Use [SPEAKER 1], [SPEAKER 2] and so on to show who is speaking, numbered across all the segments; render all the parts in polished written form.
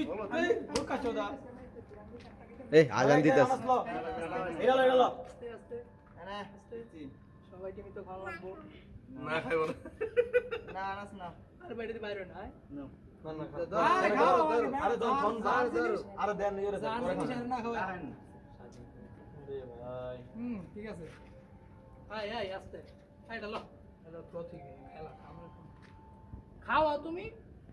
[SPEAKER 1] এই আজান দিতেছে।
[SPEAKER 2] সবাই টিমি তো ভালো লাগবো
[SPEAKER 3] না খাইব না।
[SPEAKER 2] না আনাস না আরে বাইরে বাইরে না
[SPEAKER 1] আরে দেন ইয়ে রে
[SPEAKER 2] না খাওয়া ঠিক আছে আয় আয় আস্তে আয় ডালো এটা তো ঠিক খেলা আমরা খাওয়া তুমি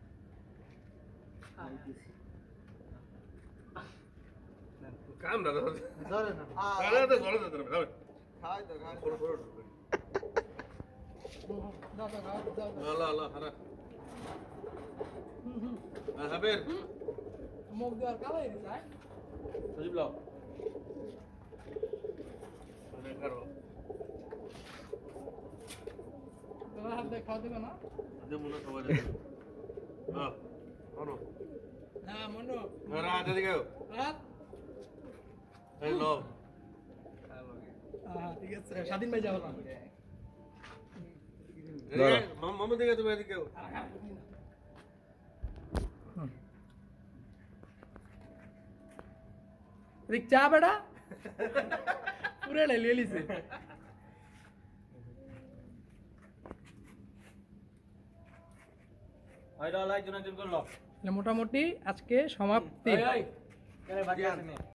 [SPEAKER 3] কাম না ধরে
[SPEAKER 2] ধরে না
[SPEAKER 3] আরে তো ধরে ধরে খাবে
[SPEAKER 2] খাই তো খাই
[SPEAKER 3] ছোট ছোট
[SPEAKER 2] দাও দাও দাও
[SPEAKER 3] আল্লাহ আল্লাহ হারা হাবির
[SPEAKER 2] মুখ দেওয়ার কালাই দিছে আয়
[SPEAKER 1] সজীব লাও
[SPEAKER 3] আরে করো
[SPEAKER 2] তোমার হাত দিয়ে খাওয়া দেবে না
[SPEAKER 3] আজ মনে সবাই হ্যাঁ আনো
[SPEAKER 2] হ্যাঁ মনো
[SPEAKER 3] আরে আজ দিকে
[SPEAKER 2] হাত
[SPEAKER 3] এই লো
[SPEAKER 2] ঠিক আছে স্বাধীন ভাই যাবো না
[SPEAKER 3] এই মামা দিকে তুমি এদিকে
[SPEAKER 2] রিক চা বেটা পুরে ले लीसे
[SPEAKER 1] আইডা লাইক জন্য দিন করলো
[SPEAKER 2] মোটামুটি আজকে সমাপ্তি
[SPEAKER 1] এই কেন বাকি আছে নে